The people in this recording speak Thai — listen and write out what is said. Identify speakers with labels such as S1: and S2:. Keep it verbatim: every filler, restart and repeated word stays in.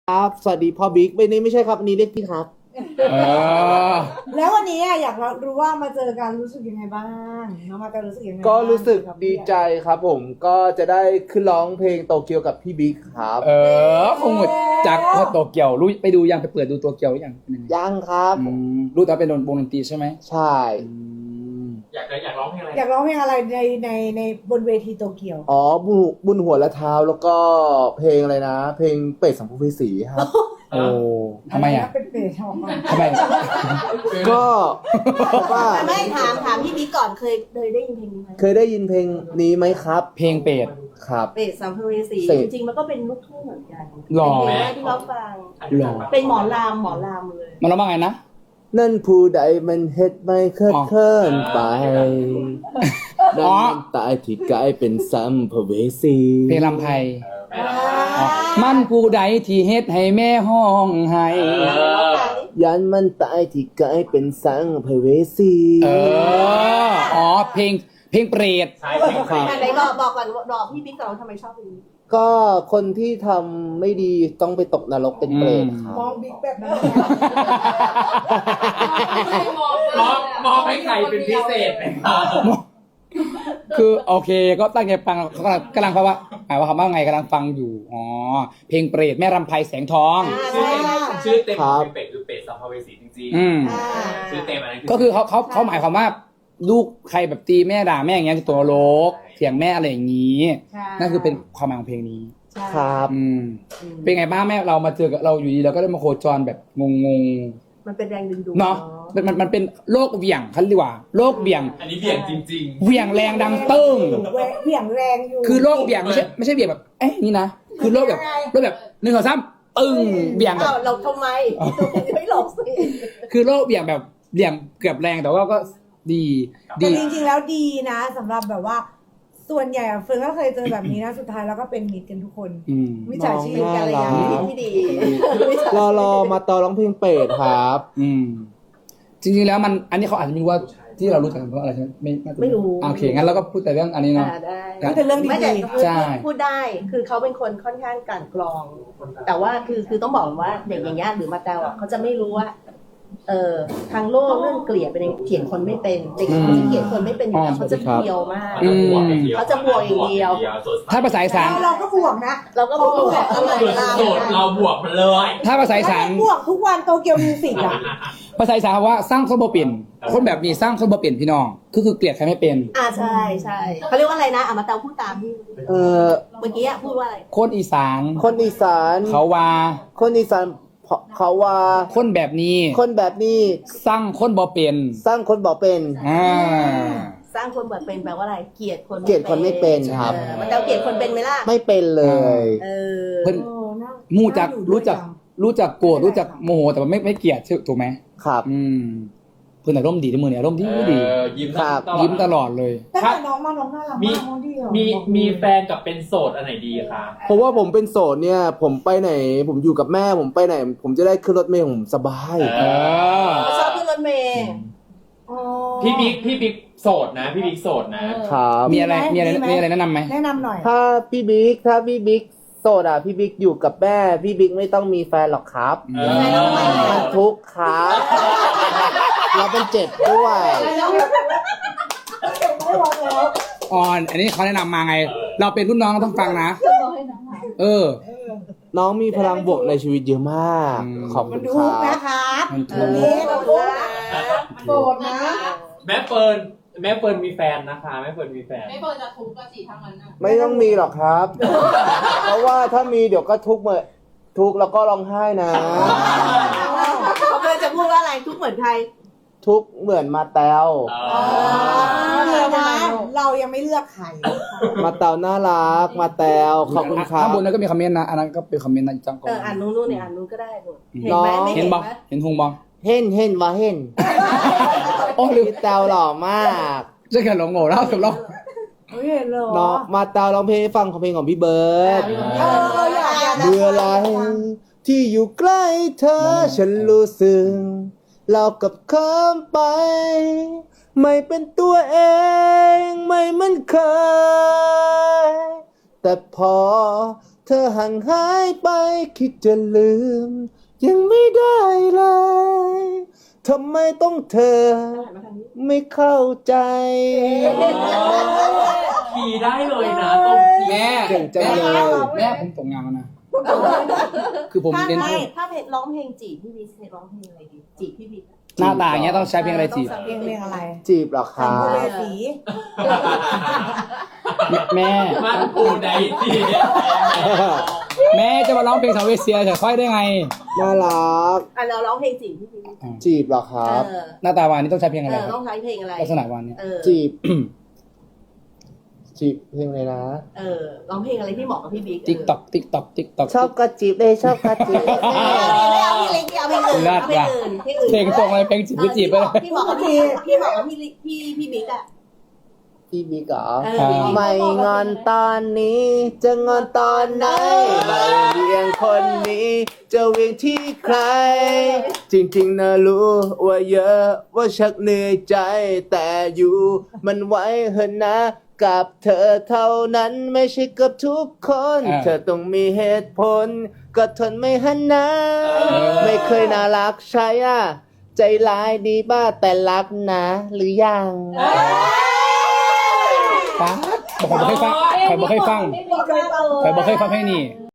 S1: ครับสวัสดีพ่อบิ๊กไม่นี่ไม่ใช่ครับอันนี้เรียกพี่ครับ
S2: เออ
S3: แล้ววันนี้อยากรู้ว่ามาเจอกันรู้สึกยังไงบ้างน้องมาจะรู้สึกยังไง
S1: ก็รู้สึกดีใจครับผมก็จะได้ขึ้นร้องเพลงโตเกียวกับพี่บิ๊กครับ
S2: เออคงหมดจากโตเกียวรู้ไปดูยังไปเปิดดูโตเกียวหรือยังเป็นยังไง
S1: ยังครับ
S2: อืมรู้แต่ว่าเป็นวงดนตรีใช่ไหม
S1: ใช่
S2: อืม
S4: อยากอยากร้องเพลงอะไร
S3: อยากร้องเพลงอะไรในในในบนเวทีโตเกียว
S1: อ๋อบุญบุญหัวและเท้าแล้วก็เพลงอะไรนะ เพลงเป็ดสัมภเวสีครับ
S2: โอ้ทำไมอ่ะ
S3: เป็นเปรตทอง
S2: ทำไม
S1: ก็เพราะว่า
S5: ไม่ถามถามพี่บิ๊กก่อนเคยเคยได้ยินเพลงนี้ไหม
S1: เคยได้ยินเพลงนี้ไหมครับ
S2: เพลงเป็ด
S1: ครับ
S5: เปรตสัมภเวสี
S1: เสร็จ
S5: จริงๆมันก็เป็นลูกทุ่งเหมือนกัน
S2: หล่อ
S5: เป็นเพลงแรกที่เราฟัง
S2: หล่อ
S5: เป็นหมอลามหมอลามเลย
S2: มันร้องว่าไงนะ
S1: นั่นผู้ใดมันเฮ็ดไม่เคิดเคินไปนั่นมันตายที่กลายเป็นสัมภเวสี
S2: เพลงลำไพอ๋อมันผู้ใดที่เฮ็ดให้แม่ห้องไห้
S1: ยันมันตายที่กลายเป็นสัมภเวสี
S2: เอออ๋อเพลงเพลงเปรต
S4: ใช่เพลง
S1: ครับ
S5: ไหนบอกบอกก่อนบอกพี่บิ๊กก่อนว่าทำไมชอบเพลงนี้
S1: ก็คนที่ทำไม่ดีต้องไปตกนรกเป็นเปรตครั
S3: มอง
S1: บ
S3: บิ๊กแบบนั้น
S4: มองมองให้ใครเป็นพิเศษไหมครับ
S2: คือโอเคก็ตั้งใจฟังเขากำลังกำลังเพราะว่าหมายว่าคำว่าไงกำลังฟังอยู่อ๋อเพลงเปรตแม่รำไพแสงทอง
S4: ชื่อเต็มชื่อเต็มของเป็ดคือเป็ดสัมภเวสีจริง
S2: อืม
S5: อ่า
S4: ๆชื่อเต็มอันนั้น
S2: ก็คือเขาเขาเขาหมายความว่าลูกใครแบบตีแม่ด่าแม่อย่างเงี้ยจะตัวโลกเถียงแม่อะไรอย่างนี้
S5: ใช่
S2: นั่นคือเป็นความหมายของเพลงนี้
S5: ใช่
S1: ครับ
S2: อืมเป็นไงบ้างแม่เรามาเจอกับเราอยู่ดีเราก็ได้มาโคจรแบบงง
S5: มันเป็นแรงดึงดูด
S2: ๆเนาะมันมันมันเป็นโลกเหวี่ยงเขาเรียกว่าโลกเหวี่ยง
S4: อันนี้เบี่ยงจริง
S2: เหวี่ยงแรงดังเติ้ง
S3: แหวะเหวี่ยงแรงอยู่
S2: คือโลกเหวี่ยงไม่ใช่ไม่ใช่เหวี่ยงแบบเอ๊ะนี่นะคือโลกแบบโลกแบบหนึ่งสองสามปึ้งเหวี่ยงแบบ
S5: อ้าวเราทำไมไม่หลบสิ
S2: คือโลกเหวี่ยงแบบเหวี่ยงเกือบแรงแต่ว่าก็ดี
S3: แต่
S2: ดี
S3: จริงๆแล้วดีนะสำหรับแบบว่า ส่วนใหญ่อะเฟิร์นก็เคยเจอแบบนี้นะสุดท้ายแล้วก็เป็นมิตรกันทุกคน
S2: อืม
S3: มิจฉาชีพ
S1: น้อง
S3: กันอะไรอย่าง
S1: น่า
S3: นี้
S1: รัก
S5: ที่ดี
S1: รอรอมาต่อร้องเพลงเป็ดครับ
S2: อืมจริงๆแล้วมันอันนี้เขาอาจจะไม่รู้ว่าที่เรารู้จักกันเพราะอะไรใช่ไหมไม่น่าจะ
S5: ไม่รู้
S2: อ่าโอเคงั้นเราก็พูดแต่เรื่องอันนี้เนาะ
S5: อ่าได้
S2: ครับ
S3: แต่เรื่อง
S5: ไม่แต่
S3: ดี
S5: พูด
S2: ใช่
S5: พูดได้คือเขาเป็นคนค่อนข้างกลั่นกรอง แต่ว่าคือคือต้องบอกว่าเด็กอย่างเงี้ยหรือมาแตวอ่ะเขาจะไม่รู้ว่า เออทางโลกเรื่องเกลียดเป็นยังเขียนคนไม่เป็นเด็กเขาจะเขียนคนไม่เป็นอยู่แล้วเขาจะเพียวมาก
S4: ๆเขาจะบวกอย่างเดียว
S5: เขาจะบวกอย่างเดียว
S4: สดใส
S2: ถ้าภาษาอีสาน
S3: เราเราก็บวกนะ
S5: เราก็บวกอะไร
S4: สุด
S5: เรา
S4: โสดเราบวกมันเลย
S2: ถ้าภาษาอีสาน
S3: บวกทุกวันโตเกียวมิวสิกอะ
S2: ภาษาอีสานคำว่าสร้างคนบ่เปลี่ยนคนแบบนี้สร้างคนบ่เปลี่ยนพี่น้องก็คือเกลียดใครไม่เป็น
S5: อ่าใช่ใช่เขาเรียกว่าอะไรนะอ่ะมาเตาพูดตามที่
S1: เอ่อ
S5: เมื่อกี้อ่ะพูดว่าอะไร
S2: คนอีสาน
S1: คนอีสาน
S2: เขาว่า
S1: คนอีสานเขาว่า
S2: คนแบบนี้
S1: คนแบบนี้
S2: สร้างคนบ่เป็น
S1: สร้างคนบอกเป็น
S2: อ่า
S5: สร้างคนแบบเป็นแปลว่าอะไรเกลียดคน
S1: เกลียดคนไม่เป็นครับ
S5: เออมาเตาเกลียดคนเป็นไหมล่ะ
S1: ไม่เป็นเลย
S5: เออ
S2: เพิ่น
S3: โอ้น่า
S2: มู่จัก
S3: น่าอยู่
S2: รู้จัก
S3: ด้วย
S2: รู้จักโกรธรู้จักโมโหแต่ว่าไม่ไม่เกลียดใช่ถูกไหม
S1: ครับ
S2: อืมเพื่อนอารมณ์ดีทุกมือเนี่ยอารมณ์ดีดี
S4: เออยิ้ม
S1: ครับ
S4: ตลอด
S2: ยิ้มตลอดเลย
S3: ตั้งแต่น้องมาน้องน่ารัก
S4: มี
S3: มากน้องดีอะ
S4: มี
S3: บอกเลย
S4: มีแฟนกับเป็นโสดอันไหนดีคะ
S1: เพราะว่าผมเป็นโสดเนี่ย ผมไปไหน ผมอยู่กับแม่ผมไปไหน ผมจะได้ขึ้นรถเมล์ผมสบาย
S2: เออ
S5: เขาชอบขึ้นรถเมล์
S3: อ๋อ
S4: พี่บิ๊กพี่บิ๊กโสดนะ พี่บิ๊กโสดนะ
S1: ครับ
S2: มีอะไรมีอะไร
S3: มีไหม
S2: มีอะไรแนะนำไหม
S3: แนะนำหน่อย
S1: ถ้าพี่บิ๊กถ้าพี่บิ๊กโสดอ่ะพี่บิ๊กอยู่กับแม่พี่บิ๊กไม่ต้องมีแฟนหรอกครับ
S2: เออ
S1: มันทุกข์ครับเราเป็นเจ็บด้วย
S2: ออน อันนี้เขาแนะนำมาไง เราเป็นรุ่นน้องเราต้องฟังนะ เออ
S1: น้องมีพลังบวกในชีวิตเยอะมาก
S2: อืม
S1: ขอบ
S3: มั
S1: คุ
S3: น
S1: ณ
S3: ดู
S1: ครั
S3: นะ
S1: บ
S3: ครับ
S2: มัน
S5: เอ
S2: ถู
S5: อก นี่เราดูนะ
S3: โสดนะ
S4: แม่เฟิร์นแม่เฟิร์นมีแฟนนะคะแม่เฟิร์นมีแฟน
S6: ไม่เปิดจะทุกข์กะสิทั้งนั้นน่ะ
S1: ไม่ต้องมีหรอกครับ เพราะว่าถ้ามีเดี๋ยวก็ทุกข์เหมือนทุกข์แล้วก็ร้องไห้นะ
S5: เขาเคยจะพูดว่าอะไรทุกข์เหมือนใคร
S1: ทุกข์เหมือนมาแตว
S3: เดี๋ยวนะเรายังไม่เลือกใคร
S1: มาแตวน่ารัก มาแตวขอบคุณครั
S2: ข้า
S1: บ
S2: งบนนั้นก็มีคอมเมนต์นะ อันนั้นก็เป็นคอมเมนต์นะจังก่อ
S5: เอออ่าน
S2: น
S5: นู้นนู้นเนี่ยอ่านนู้นก็ได้หนูเห็นไหมไม่
S2: เห็
S5: เห็
S2: น
S5: น
S2: บ้
S5: ไหม
S2: เห็นหงบ้
S1: เห็นเห็นว่าเห็น
S2: โอ้ลืม
S1: พี่แตวหล่อมาก
S2: จะแค่หลงโง่แล้วสุดแล้ว
S3: เฮ้ยเห็นเหรอ
S1: เนาะมาแตวร้องเพลงให้ฟังของเพลงของพี่เบิร์ด
S3: เอออยากอยาก
S1: เมื่อไรที่อยู่ใกล้เธอฉันรู้สึกเรากับเคิมไป ไม่เป็นตัวเองไม่เหมันเคย แต่พอเธอห่างหายไปคิดจะลืม ยังไม่ได้เลยทำไมต้องเธอ ไม่เข้าใจ
S4: ขี่ได้เลยนะตรงขี่
S2: แม่
S1: เก่งจังเลย
S2: แม่ผมตกงานแล้วนะ คือผม
S5: ถ้า
S2: เรียน
S5: ไม่ถ้าเพลงร้องเพลงจีบพี่บิ๊กร้องเพลงอะไรดีจีบพี่บิ๊ก
S2: หน้าตาอย่างเงี้ยต้องใช้เพลงอะไรจีบ
S3: เพลงเพลงอะไร
S1: จีบเหรอค
S3: สัม
S1: รั
S3: ภเว
S1: บ
S3: สี
S2: แม่
S4: มันปูไหนสิ
S2: แม่จะมาร้องเพลงสาวเวเซียเฉยค่อยได้ไง
S1: น่ารัก
S5: อ่ะเราร้องเพลงจีบพี่บิ๊ก
S1: จีบเหรอครับ
S5: เออ
S2: หน้าตาวานนี่ต้องใช้เพลง
S5: เอ
S2: อะไร
S5: อ
S2: ค
S5: ต้
S2: รั
S5: อบ งใช้เพลงอะไร
S2: ลักษณะวานเนี่ย
S5: เออ
S1: จีบ จีบเพลงเลยนะ
S5: เออร้องเพลงอะไรที่เหมาะกับพี่บิ๊ก
S2: ติ๊กตอกติ๊กตอกติ๊กตอก
S1: ชอบก็จีบเลยชอบก็จีบ
S5: ไม่เอาพี่เล็กเอาเพลงอื่นเอาเพลงอื่นเพลงอื่น
S2: เพลงตรงอะไรเพลงจีบหรือจีบไปเลย
S5: พี่เหมาะกับพี่พี่เหมาะกับพี่พี่พี่บิ๊กอะ
S1: พี่บิ๊กเหรอ
S5: เออ
S1: ไม่งอนตอนนี้ จะงอนตอนไหนไม่เวียงคนนี้ จะเวียงที่ใคร จริงๆนะรู้ว่าเยอะว่าชักเหนื่อยใจ แต่อยู่มันไว้เหอะนะ กับเธอเท่านั้นไม่ใช่กับทุกคน
S2: อ่า
S1: เธอต้องมีเหตุผล ก็ทนไม่หันนะ ไม่เคยน่ารักใช่อ่ะ ใจร้ายดีบ้าแต่รักนะ หรือยัง
S2: ฟ้าบอกผมเคยฟังใครบอกเคยฟัง
S5: ไม่เคยฟัง
S2: ใครบอกเคยฟังเพลงนี้